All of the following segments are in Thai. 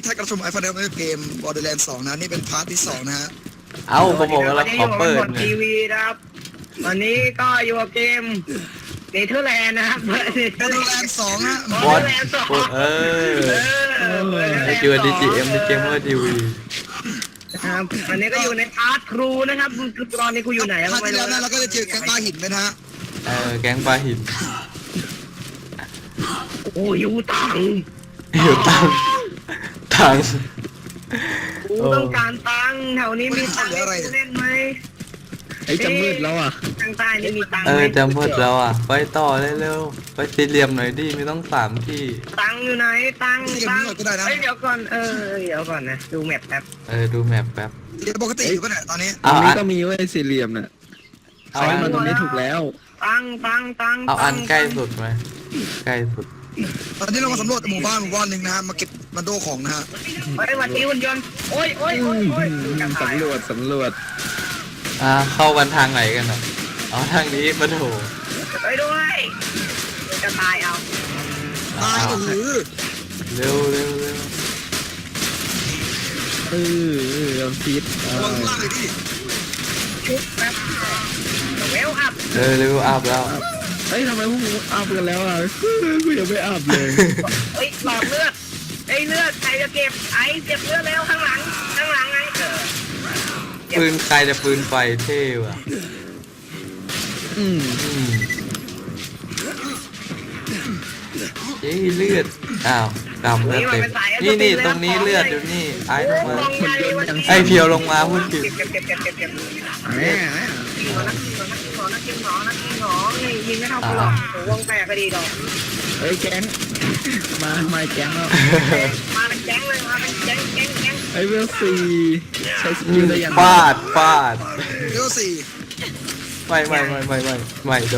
ท่านกระชมไอฟันเดอร์เกม Borderlands 2 นะนี่เป็นพาร์ทที่ 2 นะฮะเอ้าผมบอกแล้วขอเปิดทีวีนะครับวันนี้ก็อยู่กับเกมเนเธอร์แลนด์นะครับ Borderlands 2 ฮะบอสไอคิวดีจีเอ็มในเกมเมอร์ทีวีครับวันนี้ก็อยู่ในพาร์ทครูนะครับคือตอนนี้กูอยู่ไหนพาร์ทที่แล้วนะเราก็จะเจอแก๊งปลาหินไปนะฮะแก๊งปลาหินโอ้ยอยู่ตังอยู่ตังกูต้องการตังแถวนี้มีตังเล่นไหมไอ้จะมืดแล้วอ่ะทางใต้นี่มีตังจำหมดแล้วอ่ะไปต่อเร็วๆไปสี่เหลี่ยมหน่อยดิไม่ต้อง3 ที่ตังอยู่ไหนตังที่ยังไม่หมดก็ได้นะเดี๋ยวก่อนเดี๋ยวก่อนนะดูแมปแป๊บดูแมปแป๊บเดี๋ยวปกติอยู่ปะเนี่ยตอนนี้ตรงนี้ก็มีไว้สี่เหลี่ยมน่ะเอาใช้อันมาตรงนี้ถูกแล้วตังเอาอันใกล้สุดไหมใกล้สุดตอนนี้เรามาสำรวจหมู่บ้านหนึ่งนะฮะมาเก็บมาโดของนะฮะไปวันนี้หุ่นยนต์โอ้ยสำรวจเข้ากันทางไหนกันอ่ะเอาทางนี้มาโถไปด้วยจะตายเอาตายโอ้โหเร็วพิษระวังล่างเลยดิชุบแป๊บเวลอัพเร็วอัพแล้วเฮ้ยทำไมพวกมึงอาบกันแล้วอ่ะกูยังไม่อาบเลยเฮ้ยหลอดเลือดเลือดใครจะเก็บเก็บเลือดแล้วข้างหลังไงปืนใครจะปืนไฟเท่ว่ะเลือดอ้าวดำเลือดเต็มนี่ตรงนี้เลือดอยู่นี่ไอ้ลงมาไอ้เพียวลงมาพูดผิดเก็บแม่นักกินหนอยิงไม่เท่ากูหรอกวงแตกก็ดีดอกเฮ้ยแก๊งมาแก๊งแล้วมาเป็นแก๊งเลยมาเป็นแก๊งไอ้เวลซีใช้สกิลได้ยังฟาดเดี๋ยวสี่ไม่โด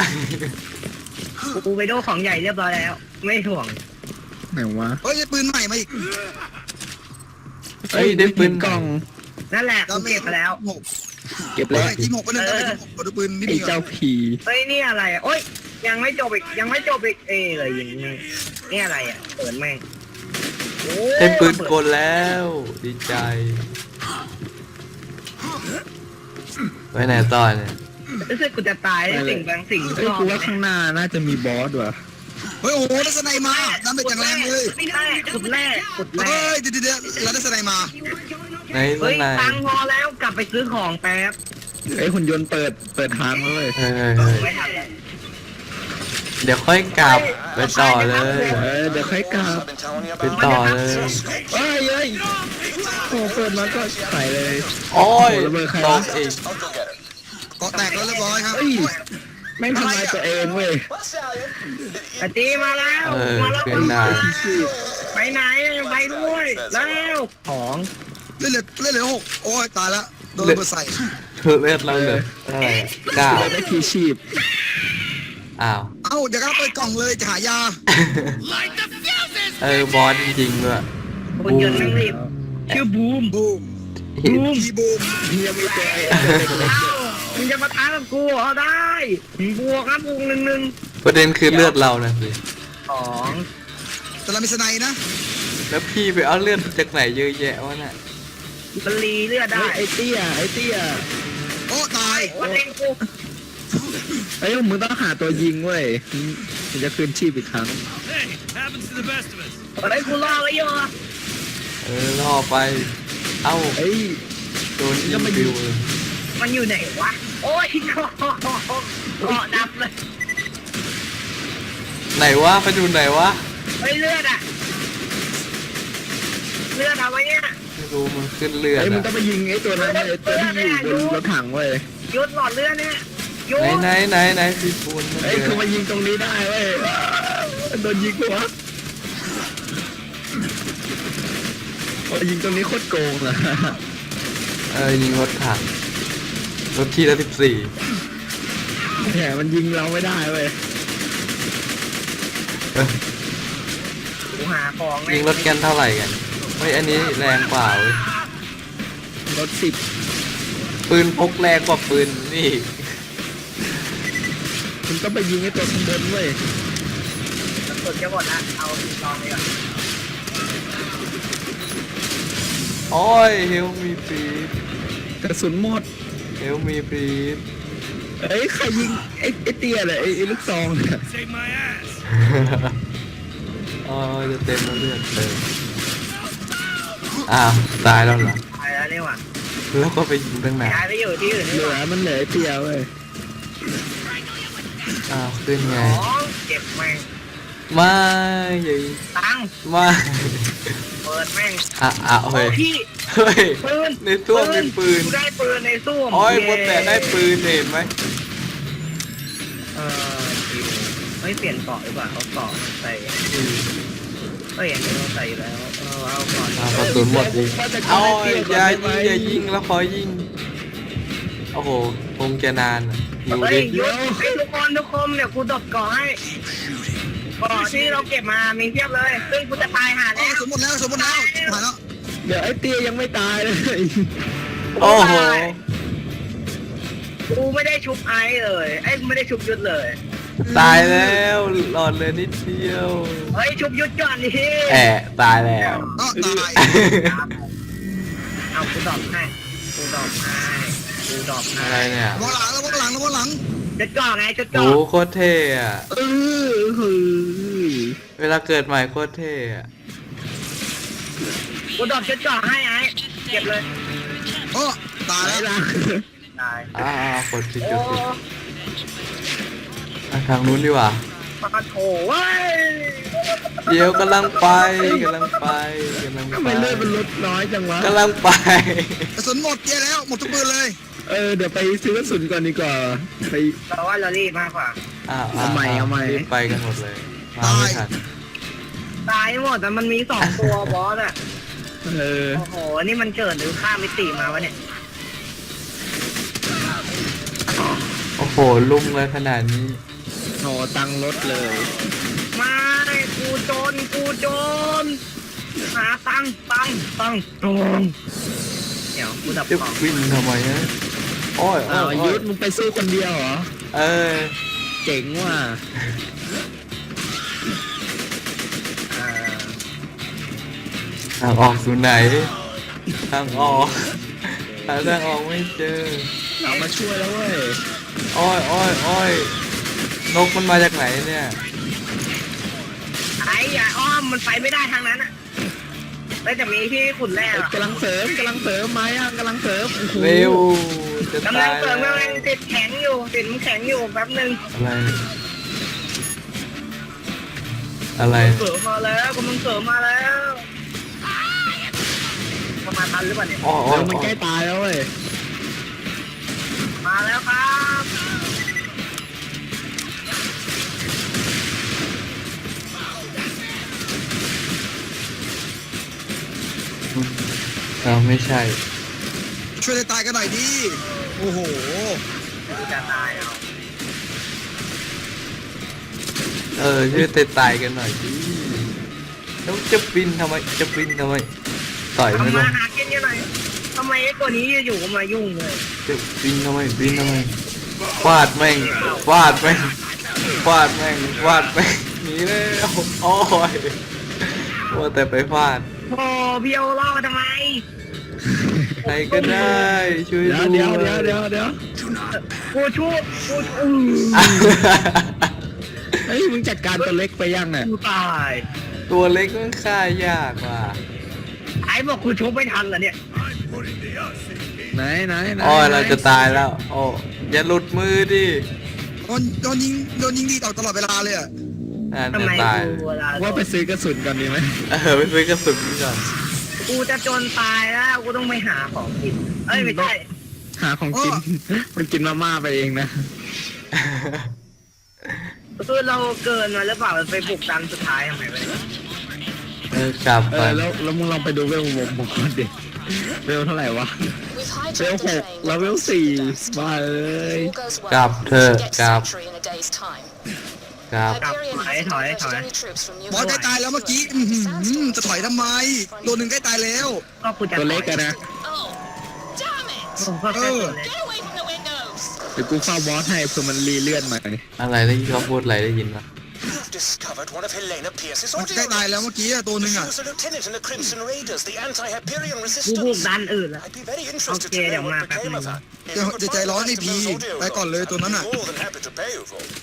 กูไปโดของใหญ่เรียบร้อยแล้วไม่ถ่วงไหนวะเฮ้ยได้ปืนใหม่มาอีกเฮ้ยได้ปืนกล่องนั่นแหละกูเก็บไปแล้วหกเก็บเฮ้แล้วยทีมหกก็หนึ่งแล้วทีมหกมาดูปืนนี่ไอ้ดีกว่าเจ้าผีเฮ้ยนี่อะไรโอ้ยยังไม่จบอีกเลยอย่างนี้นี่อะไรเปิดแม่งได้ปืนกลแล้วดีใจไปไหนต่อเนี่ยรู้สึกกูจะตายสิ่งบางสิ่งเฮ้ยกูว่าข้างหน้าน่าจะมีบอสว่ะเฮ้ยโอ้โหได้สไนมาดันไปจังแรงเลยขุดแร่เฮ้ยเดี๋ยวเราได้สไนมาไหนเฮ้ยไหนตังพอแล้วกลับไปซื้อของแป๊บไอ้หุ่นยนต์เปิดทางแล้วเลยไม่ทันแล้วเดี๋ยวค่อยกลับไปต่อเลยเดี๋ยวค่อยกลับไปต่อเลยเฮ้ยโอ้เปิดมาก็ขายเลยโอ้ยระเบิดใครตวะกอีกเกาะแตกแล้วเรียบร้อยครับเฮ้ยแม่งทำลายตัวเองเว้ยตีมาแล้วขึ้นได้ไปไหนไปด้วยแล้วของเล่นเหลือหกโอ้ยตายแล้วโดนระเบิดใส่เลือดเราเลยอะไร9 เราได้ทีชีพอ้าวเอ้าเดี๋ยวก็เปิดกล่องเลยจะหายาบอสจริงๆด้วยคนยนต์นั่งรีบชื่อบูมบูมพีบูมเฮียไม่เจอมึงจะมาท้ากับกูเอาได้บวกครับบวก1 ประเด็นคือเลือดเรานะสิ 2 แต่เรามีสไนนะแล้วพี่ไปเอาเลือดจากไหนเยอะแยะวะน่ะมันรีเลือดได้ไอ้เตี้ยโอ้ตายวันเองกูไอ้มึงต้องหาตัวยิงเว้ยถึงจะคืนชีพอีกครั้งอะไรกูรอไว้อยู่ล่อไป เอ้าเอ้ยโดนยิงบิวเลยมันอยู่ไหนวะโอ้ยเกาะดับเลยไหนวะไปดูไหนวะไอ้เลือดเอาไว้เนี่ยไม่รู้มันขึ้นเลือดไอ้มึงอะต้องไปยิงไอ้ตัวนั้นไอ้ตัวที่อยู่บนรถถังเว้ยยุดหลอดเลือดเนี่ยยุดไหนพี่ปูนไอ้คือมายิงตรงนี้ได้เว้ยโดนยิงปะวะยิงตรงนี้โคตรโกงอะยิงรถถังรถที่ละ14 แหมมันยิงเราไม่ได้เว้ยกูหาของยิงรถกันเท่าไหร่กันเฮ้ยอันนี้แรงกว่าเว้ยรถ10 ปืนพกแรงกว่าปืนนี่คุณต้องไปยิงไอ้ตัวข้างบนเว้ยกดจะหมดละเอาลองไปก่อนโอ้ยเฮลมีปีดกระสุนหมดเฮลมีปีดเอ้ยใครยิงไอ้เตี้ยเลยไอ้ลูกซองเนี่ยอ๋อจะเต็มแล้วเลือดเต็มอ้าวตายแล้วเหรอตายแล้วนี่หว่าแล้วก็ไปยิงตั้งนานย้ายไปอยู่ที่อื่นเหนี่ลืหอว่ามันเหลือไอ้เตี้ยเว้ยอ้าวขึ้นไงอ๋อเก็บแม่งไม่อย่าตังไม่เปิดแม่งเฮ้ยพี่เฮ้ยปืนในตู้มีปืนกูได้ปืนในตู้โอ้ยบนแต่ได้ปืนเห็นไหมเออไม่เปลี่ยนเกาะหรือเปล่าเอาเกาะมาใส่เอ้ยอันนี้เราใส่แล้วเอาเกาะกระสุนหมดดิเอาอย่ายิงแล้วขอยิงโอ้โหคงจะนานอยู่เฮ้ดิยหยุดให้ทุกคนเดี๋ยวกูดบเกาะให้เกาะที่เราเก็บมามีเพียบเลยซึ่งกูจะตายหาอ๋อแล้วสมหมดแล้วสมหมดแล้วหายแล้วเดี๋ยวไอ้เตี้ยยังไม่ตายเลยโอ้โหกูไม่ได้ชุบไอซ์เลยไอ้กูไม่ได้ชุบยุดเลยตายแล้วหลอดเลยนิดเดียวเฮ้ยชุบยุดก่อนดิแอะตายแล้วก็ตายเอากูดอกให้กูดอกให้กูดอกให้อะไรเนี่ยระวังหลังระวังหลังระวังหลังจุดก่อนไงจุดโหก่อนโคตรเท่อะเออเฮ้ยเวลาเกิดใหม่โคตรเท่อะกูดอกจุดก่อนให้ไอ้เก็บเลยโอ้ตายตายแล้วละตายกดผิดโอ้กดผิดทางนู้นดีกว่าปะโถเว้ยเดี๋ยวกำลังไปกำลังไปทำไมเลือดมันลดน้อยจังวะกำลังไปกระสุนหมดเยอะแล้วหมดทุกปืนเลยเดี๋ยวไปซื้อกระสุนก่อนดีกว่าไปแต่ว่าเรารีบมากกว่าเอาใหม่รีบไปกันหมดเลยมาไม่ทันตายหมดแต่มันมี2ตัวบอสอ่ะเออโอ้โหนี่มันเกิดหรือข้ามมิติมาวะเนี่ยโอ้โหลุ่มเลยขนาดนี้โหตังค์ลดเลยมากูโจรหาตังโจรเดี๋ยวกูดับจะของวิ่งทำไมฮะโอ้ยอ้าวโอ้ยยุทธมึงไปสู้คนเดียวเหรอเออเจ๋งว่ะทางออกสู่ไหน ทางออกหาทางออกไม่เจอเอามาช่วยแล้วเว้ยโอ้ยนกมันมาจากไหนเนี่ยไอ้อย่าอ้อมมันไปไม่ได้ทางนั้นอ่ะแล้วจะมีที่ขุนแร่อะกำลังเสริมไม้อ่ะกำลังเสริมโอ้โหเร็วจะกำลัตาง ยเสริแล้มวกำลังติดแข็งอยู่แป๊บนึงอะไรเสริมมาแล้วกำลังเสริมมาแล้วมาทันหรือเปล่าเนี่ยอ๋อเดี๋ยวมันใกล้ตายแล้วเว้ยมาแล้วครับเราไม่ใช่ช่วยได้ตายกันหน่อยดิโอ้โหจะตายเอาช่วยตายกันหน่อยดิแล้วจะบินทำไมต่อยไม่ทำลมาง หากินกันหน่อยทำไมไอ้ตัวนี้อยู่ๆก็มายุ่งเลยจะบินทำไมฟาดแม่งหนีแล้วโอ้ยว่าแต่ไปฟาดโอ้พี่เอาล่อทำไมใครก็ได้ช่วยเดี๋ยวด้วยกูชูเฮ้ยมึงจัดการตัวเล็กไปยังเนี่ยกูตายตัวเล็กมันฆ่ายากว่ะไอ้บอกกูชุบไม่ทันเหรอเนี่ยไหนโอ้ยเราจะตายแล้วโอ้อย่าหลุดมือดิโดนยิงดีตลอดเวลาเลยอ่ะนั่นทำไมตายกูเวลาว่าไปซื้อกระสุนก่อนดีไหมไปซื้อกระสุนก่อนกูจะจนตายแล้วกูต้องไปหาของกินเอ้ยไม่ใช่หาของกิน มันกินมาม่าไปเองนะคือเราเกินมาหรือเปล่ามันไปบุกดันสุดท้ายทำไมวะกลับไปแล้วมึงลองไปดูเวลผมก่อนดิเวลเท่าไหร่วะ With เวล hijacked the 6 train, แล้วเวล 4 มาเลย all goes well, กลับเถอะ we get กลับ Sentry in a day's time. กลับ Hyperion hasn't diverted any troops from บอส New ใกล้ตายแล้วเมื่อกี้อื้อหือจะถอยทำไมตัวหนึ่งใกล้ตายแล้วก็กูจะตัวเล็กอะนะ Oh, damn it! ผมก็แค่ตัวเล็ก Get away from the windows! เดี๋ยวกูเฝ้าบอสให้เพื่อมันรีเลื่อนมาอะไรได้ยินเขาพูดอะไรได้ยินปะ discovered one of Helena Pierce's มัน audio ใกล้ตายแล้ว notes. เมื่อกี้อะตัวหนึ่ง She อ่ะ was a lieutenant in the Crimson Raiders, the anti-Hyperion กูบุก resistance. ด้านอื่นแล้ว I'd be very interested to Okay, know ดี๋ยวมา what แป๊บ became นึ of ง her. If จะ you could จะใจ find ร้อน the ไอ้ rest of พี those audio ไปก่อนเลย notes, ตัวนั้น I'd อ่ะ be more than happy to pay you for them.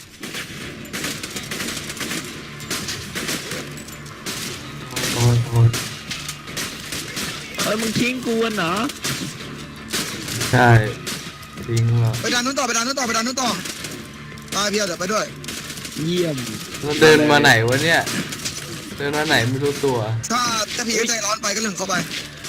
โอ้ยโอ้ยเอ้ยมึงทิ้งกูเหรอใช่ทิ้งหรอไปดันนู้นต่อไปดันนู้นต่อไปดันนู้นต่อตายเพียวเดี๋ยวไปด้วยเยี่ยมมันเดินมาไหนวะเนี่ย เดินมาไหนไม่รู้ตัวถ้าพีใจร้อนไปก็เรื่องของเขาไป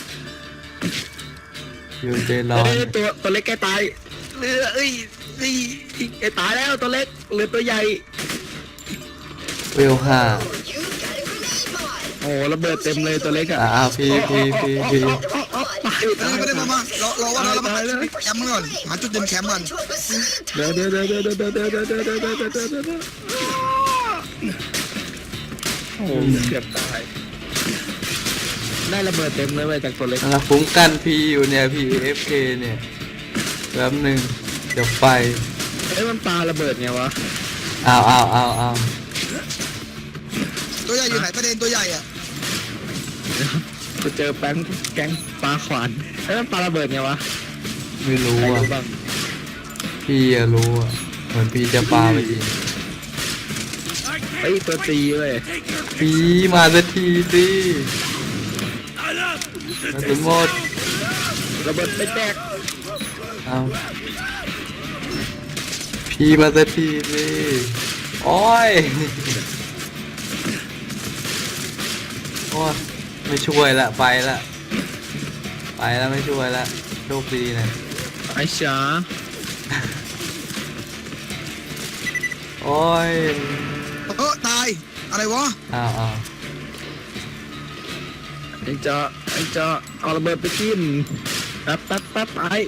อยู่ใจร้อนเอ้ยตัวเล็กใกล้ตายเรือเอ้ยไอ้ตายแล้วตัวเล็กเหลือตัวใหญ่เวลห้าโอ้ระเบิดเต็มเลยตัวเล็กอ่ะพี่ตายไม่ได้มารอวันนั้นเรามาแคมป์ก่อนหาจุดเด่นแคมป์ก่อนเดี๋ยวโอ้เกือบตายได้ระเบิดเต็มเลยเว้ยจากตัวเล็กนะฟุ้งกันพีอยู่เนี่ยพีเอฟเคเนี่ยแป๊บหนึ่งเดี๋ยวไปเอ้ยมันปาระเบิดไงวะเอาตัวใหญ่อยู่ไหนประเด็นตัวใหญ่อ่ะไปเจอแก๊งปลาขวานเอ้ยมันปาระเบิดไงวะไม่รู้ใครอ่ะรู้บ้างพี่อะรู้อ่ะเหมือนพี่จะปาไปยิงเฮ้ยตัวตีเว้ยพี่มาสักทีสิมาถึงหมดระเบิดไปแตกเอาพี่มาสักทีสิโอ้ยโอ้ยไม่ช่วยละไปละไม่ช่วยละโชคดีนะไอ้ช้าโอ้ยตายอะไรวะเอาไอ้เจ้าเอาระเบิดไปจิ้มแป๊บไอ้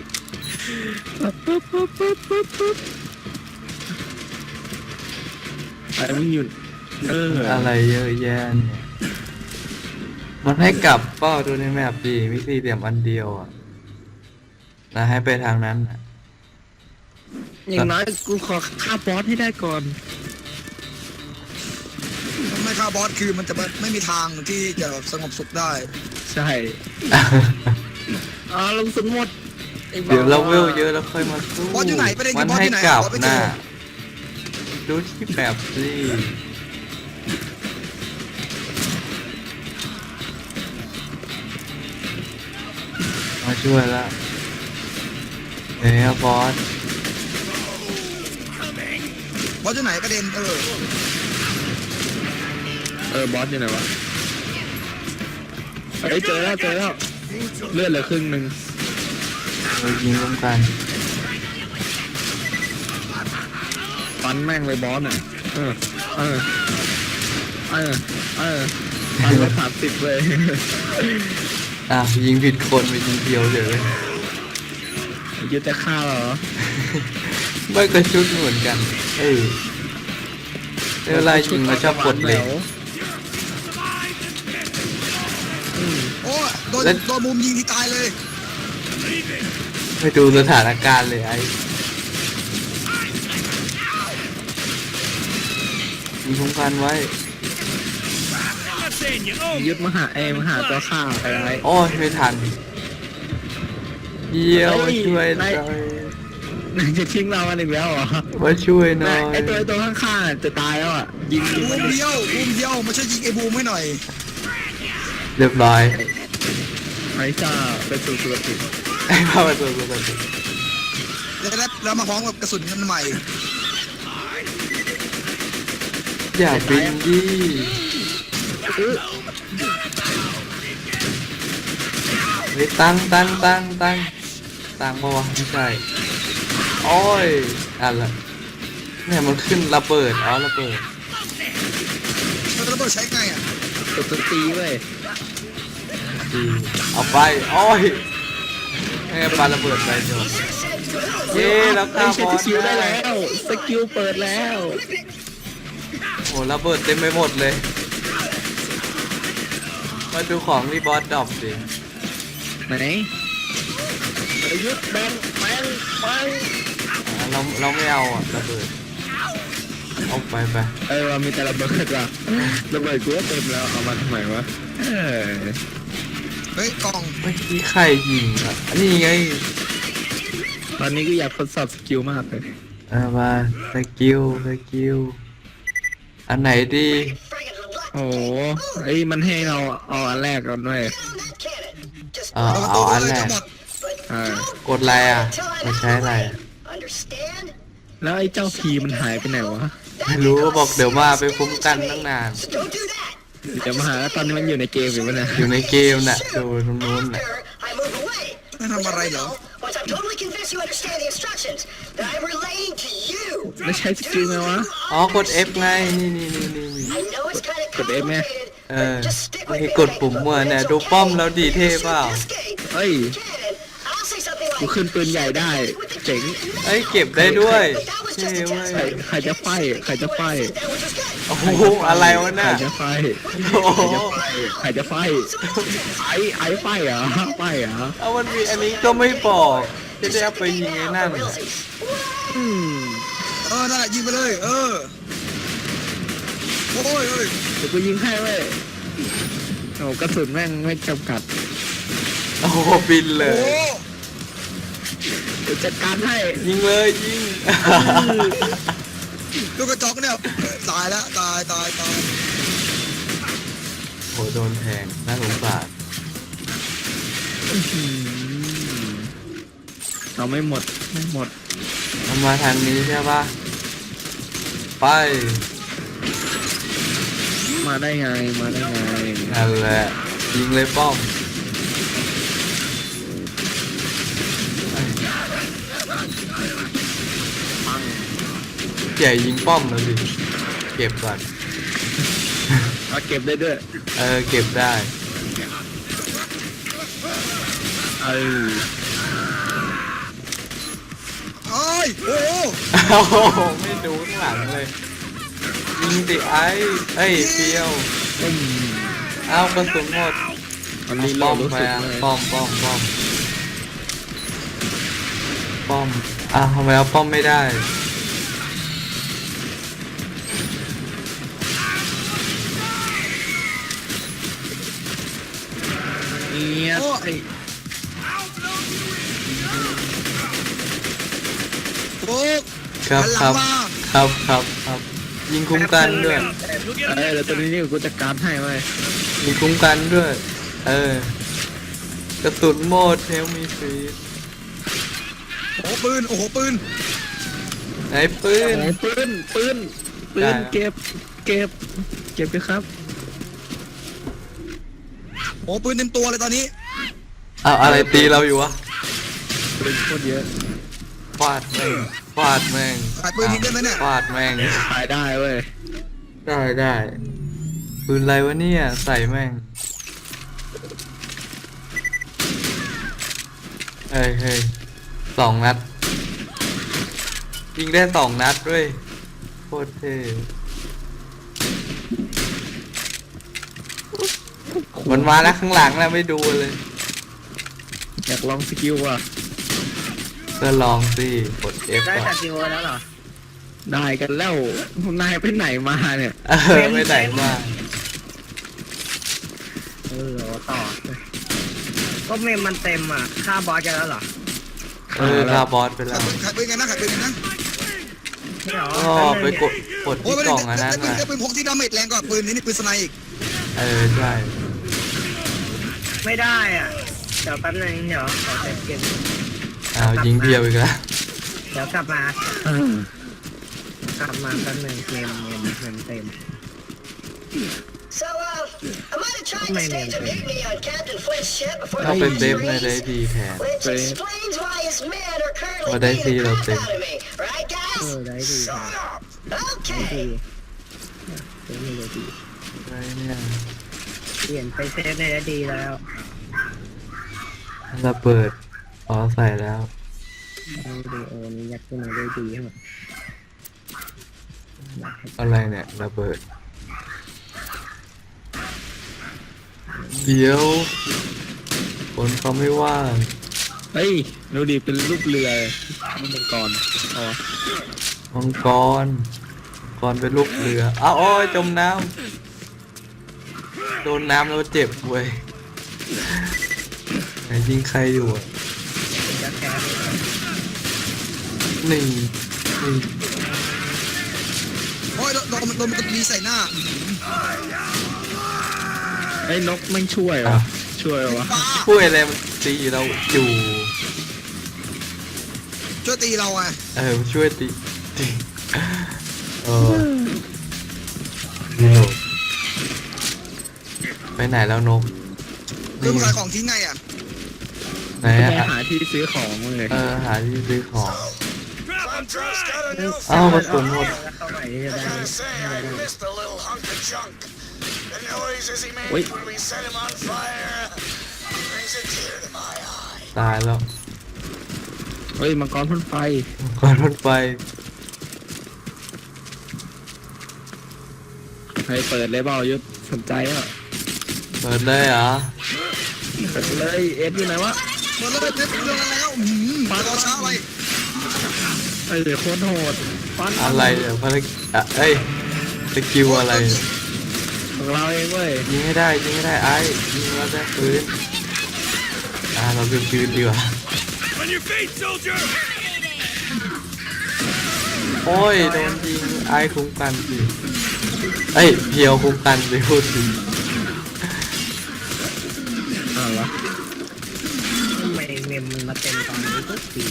ไอ้มึงหยุดอะไรเยอะแยะเนี่ยมันให้กลับเป้าดูในแมปดีมีสี่เหลี่ยมอันเดียวอ่ะนะให้ไปทางนั้นอ่ะอย่างน้อยกูขอฆ่าบอสให้ได้ก่อนไม่ฆ่าบอสคือมันจะไม่มีทางที่จะสงบสุขได้ใช่ลงสุดหมดเดี๋ยวเราเวลเยอะแล้วค่อยมาสู้บอสอยู่ไหนประเด็นคืมัอน บอสให้อยู่ไหนกลับบอสไม่หเจน้าอดูที่แบบสิมาช่วยละบอสบอสอยู่ไหนประเด็นบอสอยู่ไหนวะเฮ้ยเจอแล้วเลือดเหลือครึ่งหนึ่งเรายิงร่วมกันฟันแม่งเลยบอสอ่ะฟันละ30เลยยิงผิดคนไปยิงเดียวเดี๋ยวเลยยึดจะฆ่าเหรอไม่กระชุดเหมือนกันเวลายิงมาชอบกดเลยโอ้โดนมุมยิงที่ตายเลยไปดูสถานการณ์เลยไอ้ยิงคุ้มกันไว้ยึดมาหาตัวฆ่าไปไว้โอ้ยไม่ทันเยี่ยวมาช่วยหน่อยจะทิ้งเรากันอีกแล้วเหรอมาช่วยหน่อยไอตัวข้างๆจะตายแล้วอ่ะยิงบูมเดียวมาช่วยยิงไอ้บูมให้หน่อยเรียบร้อยไอ้จ้าเป็นสุดสุดไอ้พ่อมาตัวปกติแล้วมาพร้อมกับกระสุนกันใหม่อย่าบินยี่เฮ้ยตั้งปะวะไม่ใช่โอ้ยอะไรเนี่ยมันขึ้นระเบิดระเบิดแล้วระเบิดใช้ไงอ่ะตัวตีเว้ยเอาไปโอ้ยให้ปาระเบิดไปจบเย้แล้วฆ่าบอสสกิลได้แล้วสกิลเปิดแล้วโอ้ระเบิดเต็มไปหมดเลยมาดูของที่บอสดรอปสิไหนยึดแบงเราไม่เอาระเบิดเอาไปว่ามีแต่ระเบิดว่ะระเบิดกูก็เต็มแล้วเอามาทำไมวะเฮ้ยกล่องเมื่อกี้ใครยิงอ่ะอันนี้ไงตอนนี้ก็อยากทดสอบสกิลมากเลยมาสกิลอันไหนดีโอ้โหไอ้มันให้เราเอาอันแรกก่อนด้วยเอาอันแรก กดอะไรอ่ะไม่ใช้อะไรแล้วไอ้เจ้าพีมันหายไปไหนวะไม่รู้บอกเดี๋ยวมาไปคุ้มกันตั้งนานเดี๋ยวมาหาแล้วตอนนี้มันอยู่ในเกมอยู่ปะเนี่ยอยู่ในเกมน่ะดูตรงนู้นน่ะไม่ทำอะไรเหรอแล้วใช้สกิลไงวะอ๋อกด F ไงนี่กด F ไหมนี่กดปุ่มมั่วเนี่ยดูป้อมแล้วดีเท่เปล่าเฮ้ยกูขึ้นปืนใหญ่ได้เจ๋งเอ้ยเก็บได้ด้วยเท่เว้ยใครจะไฟใครจะไฟโอ้โหอะไรวะใครน่ะจะไฟโอ้โหใครจะไฟไอ้ไฟเหรอไฟเหรอเอามันมีอันนี้ก็ไม่บอกจะได้เอาไปยิงไอ้นั่นน่ะนั่นแหละยิงไปเลยโอ้ยเดี๋ยวกูยิงให้เว้ยโอ้กระสุนแม่งไม่จำกัดโอ้โหบินเลโอ้ยเดี๋ยวจัดการให้ยิงเลยยิงลูกกระจอกเนี่ยตายแล้วตายโหโดนแทงน่าสงสารเอาไม่หมดเอามาทางนี้ใช่ปะไปมาได้ไงนั่นแหละยิงเลยป้อมใหญ่ยิงป้อมแล้วดิเก็บก่อนเอาเก็บได้ด้วยเก็บได้โอ้ยโอ้โอ้โหไม่ดูข้างหลังเลยยิงดิเอ้ยเฟียวเอากระสุนหมดอันนี้ป้เราอมรู้ไปสึกอ่ะเลยป้อมทำไมเอาป้อมไม่ได้เงี้ยโอ้ครับหันหลัครับงมาครับยิงคุ้มกันด้วยแล้วตอนนี้กูจัดการให้ไว้ยิงคุ้มกันด้วยกระสุนหมดเทลมีฟรีโอ้ปืนไหนปืนปืนได้เก็บไปครับโอ้ปืนเต็มตัวเลยตอนนี้เอาอะไรตีเราอยู่วะปืนโคตรเยอะฟาดแม่งขายปืนทิ้งได้ไหมเนี่ยฟาดแม่งขายได้เว้ยได้ปืนอะไรวะเนี่ยใส่แม่งเฮ้ย2 นัดยิงได้2 นัดด้วยโคตรเท่มันมาแล้วข้างหลังแล้วไม่ดูเลยอยากลองสกิลว่ะก็ลองสิกด F ได้ก่อจากนกิโลแล้วเหรอได้กันแล้วนายไปไหนมาเนี่ยไม่ไหนมาต่อก็เมมมันเต็มอ่ะค่าบอสกันแล้วเหรอลาบอสไปแล้วขายปืนกันนะไม่เหรอก็ไปกดโอ้ที่ยกล่องอันนั้นได้น่ะปืนพกที่ดาเมจแรงกว่าปืนนี่ปืนสไนอีกใช่ไม่ได้อ่ะเดี๋ยวแป๊บนึงเดี๋ยวขอเซฟเกมยิงเพียวอีกแล้วเดี๋ยวกลับมาแป๊บนึงเกมเต็ม So, I might have tried to stage a mutiny on Captain Flint's ship before ก็ they เป็นเซฟ reached ใน Greece, ได้ดีแทน which explains why his men are currently Well, they beating see the those crap things. out of me. Right, ได้ guys? ดี Okay. อะไรเนี่ยเปลี่ยนไปเซฟในได้ดีแล้วระเบิดใส่แล้วนี่ยัดขึ้นมาได้ดีทั้งหมดอะไรเนี่ยระเบิดเดี๋ยวคนเขาไม่ว่างเฮ้ยดูดิเป็นรูปเรือรูปมังกรอ๋อมังกรขกรเป็นลูกเรืออ้าวโอ้ยจมน้ำโดนน้ำแล้วเจ็บเว้ยไหนยิงใครอยู่อะจะแคร์นี่โอ้ยโดนมันตีใส่หน้าไอ้นกไม่ช่วยเหรอช่วยวะป้าช่วยอะไรมันตีเราอยู่ช่วยตีเราไงมันช่วยตีนี่นกไปไหนแล้วนกคือมันขายของทิ้งไงอ่ะไหนไปอะหาที่ซื้อของเลยหาที่ซื้อของ Contrast got a new อ้าวกระ fella. สุนหมดแล้วเข้าใหม่จะได้ Gotta say, I missed the little hunk of junk. The noises he made when we set him on fire brings a tear to my eye. ตายแล้วเฮ้ยมังกรพ่นไฟก่อนรถไฟใครเปิดเลยเปล่ายุทธสนใจอ่ะเปิดเลยเหรอเปิดเลยเอสอยู่ไหนวะเปิดเลยเรื่องอะไรแล้วรอช้าอะไรไอ้เดี๋ยวโคตรโหดฟันอะไรเนี่ยภารกิจสกิลอะไรของเราเองเว้ยยิงให้ได้ไอ้ยิงแล้วได้ปืนเราคือปืนดีกว่า On your feet, soldier! โอ้ยโดนยิงไอ้คุ้มกันสิเพียวคุ้มกันสิพูดถึงอะไรวะทำไมเมมมันมาเต็มตอนนี้ทุกที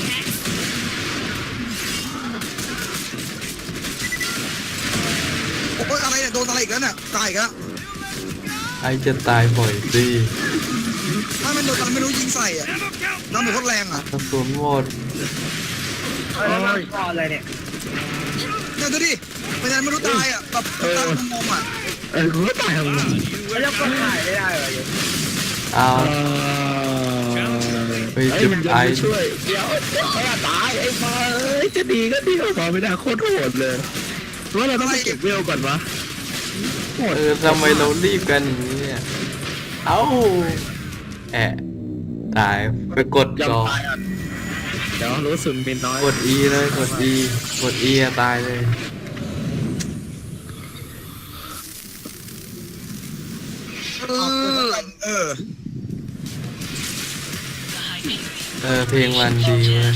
โอ้ยอะไรเนี่ยโดนอะไรอีกแล้วเนี่ยตายอีกแล้วไอ้จะตายบ่อยสิถ้ามันโดนอะไรไม่รู้ยิงใส่อ่ะน้ำหมูโคตรแรงอ่ะกระสุนหมดแล้วมันก่อนเลยเนี่ยเนี่ยดูดิเป็นยังไม่รู้ตายอ่ะแบบตายมองอ่ะกูก็ตายของมึงแล้วก็ถ่ายไม่ได้เหรออยู่เอาไอ้มันจะไปช่วยเดี๋ยวตายไอ้มาจะดีก็ดีพอไม่ได้โคตรโหดเลยว่าเราต้องไปเก็บเวลก่อนวะโหดทำไมเรารีบกันอย่างนี้เนี่ยเอ้าตายไปกดยังก่อนตายอ่ะเดี๋ยวรู้สึกมีน้อยกด E เลยกด E ตายเลย เพลงมันดีเว้ย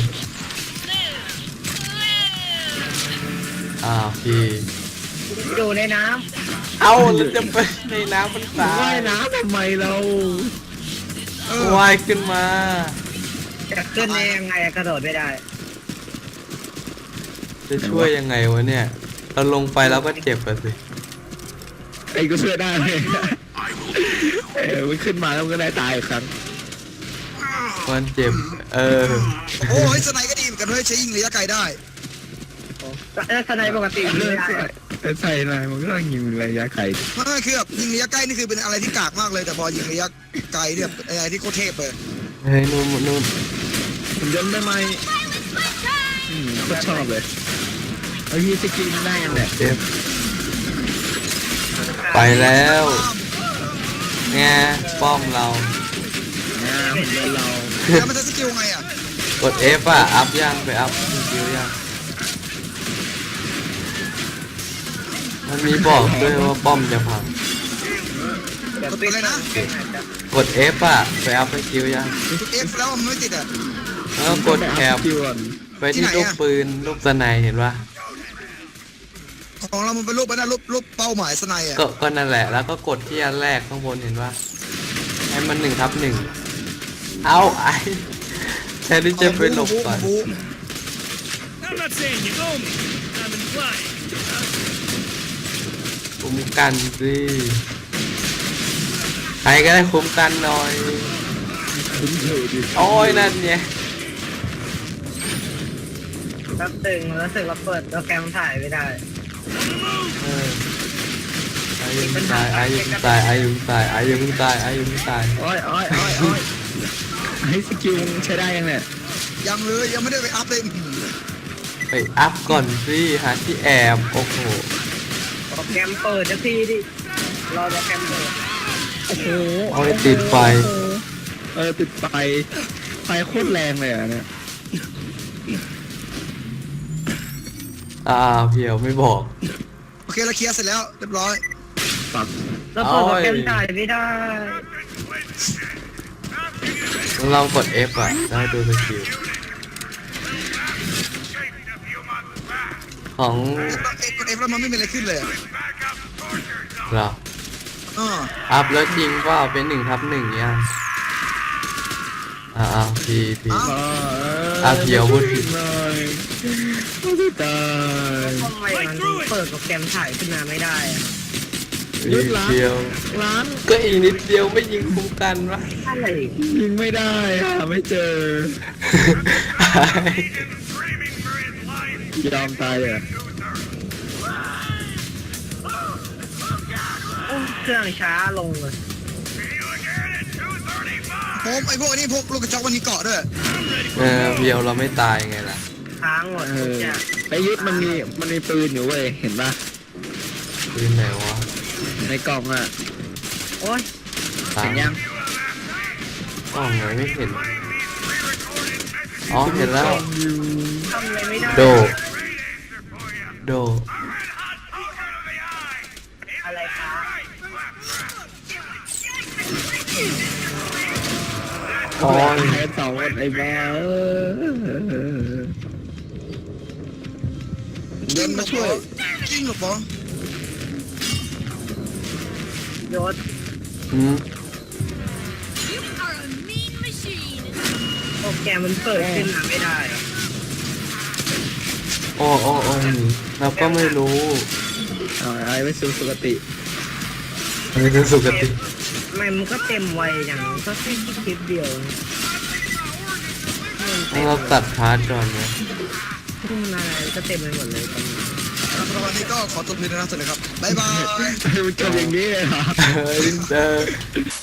พี่อยู่ในน้เอ้าแล้วจะไปในน้ำมันตาว่าย ยน้ำทำไมเราว่ายขึ้นมาำจะขึ้นได้ยังไงกระโดดไม่ได้จะช่วยยังไงวะเนี่ยเราลงไปแล้วก็เจ็บอะสิไอ้ก็ช่วยได้เลยมันขึ้นมาแล้วมันก็ได้ตายอีกครั้งมันเจ็บโอ้ยสไนก็ดีเหมือนกันด้วยใช้ยิงระยะไกลได้แล้วทนายปกติยิงไม่ได้ใส่อะไรมันก็ต้องยิงระยะไกลไม่คือแบบยิงระยะใกล้นี่คือเป็นอะไรที่กากมากเลยแต่พอยิงระยะไกลเนี่ยอะไรที่โคตรเทพเลยเฮ้ยนู่นนู่นผมยนต์ได้ไหมก็ชอบเลยไอ้ยี่สกินได้ยังแหละเจ็บไปแล้วไงป้อมเราผมเล่นเราแล้วมันจะสกิลไงอ่ะกด F อัพย่างไปอัพคิวย่างมันมีบอกด้วยว่าป้อมจะพังเดี๋ยวปิดนะกด F ไปอัพไปคิวย่างเอฟแล้วมันไม่ติดอ่ะแล้วก็กดแคปคิวก่อนไปที่ลูกปืนลูกสไนเห็นปะของเรามันเป็นรูปนะรูปเป้าหมายสไนอ่ะก็นั่นแหละแล้วก็กดที่อันแรกข้างบนเห็นปะให้มัน1/1เอาไอ้แทนที่จะไปหลบก่อน I'm not saying you owe me. I'm implying. คุ้มกันสิใครก็ได้คุ้มกันหน่อยคุ้นเคยดิโอ้ยนั่นไงแป๊บตึงแล้วรู้สึกว่าเปิดโปรแกรมถ่ายไม่ได้อายุงตายอายุงตายอายุงตายอายุงตายอายุงตายโอ้ยให้สกิลใช้ได้ยังเนี่ยยังเลยยังไม่ได้ไปอัพเลยไปอัพก่อนสิหาที่แอบโอ้โหโปรแกรมเปิดจะทีดิรอโปรแกรมเปิดโอ้โหโอ้ยติดไฟติดไฟโคตรแรงเลยอ่ะเนี่ยเพียวไม่บอกโอเคเราเคลียร์เสร็จแล้วเรียบร้อยปักแล้วเปิดโปรแกรมถ่ายไม่ได้ลองกด F อ่ะได้ดูสกิลของกดเอฟแล้วมันไม่มีอะไรขึ้นเลยเราอ๋ออัพแล้วจริงว่าเป็น1/1ยังพีเพียวพูดผิดหน่อยไม่ตายทำไมมันถึงเปิดโปรแกรมถ่ายขึ้นมาไม่ได้อะพีเพียวร้านก็อีกนิดเดียวไม่ยิงคุ้มกันวะอะไรยิงไม่ได้หาไม่เจอ ยอมตายเลยโอ้เครื่องช้าลงเลยผมไอ้พวกนี้พวกลูกกระจอกมันมีเกาะด้วยเพียวเราไม่ตายไงล่ะค้างหมดทุกอย่างไอ้ยุทธมันมีปืนอยู่เว้ยเห็นปะปืนไหนวะในกล่องอ่ะโอ้ยตาเห็ยนยังกล้องไหนไม่เห็นอ๋อเห็นแล้วทำอะไรไม่ได้โด โดอะไรคะอ๋อแค่2 คนไอ้แม่เดินมาช่วยจริงเหรอปอยศอืมโปรแกรมมันเปิดขึ้นมาไม่ได้อะโอ้เราก็ไม่รู้เอาไอ้ไปสู่สุคติไม่รู้สุกติทำไมมันก็เต็มไวอย่างก็แค่คลิปเดียวมันเราตัดพาร์ทก่อนไหมทุ่มอะไรก็เต็มไปหมดเลยตอนนี้ครับวันนี้ก็ขอตัวเพลินนะสวัสดีครับบ๊ายบายมันจบอย่างนี้เลยเหรอเฮ้ย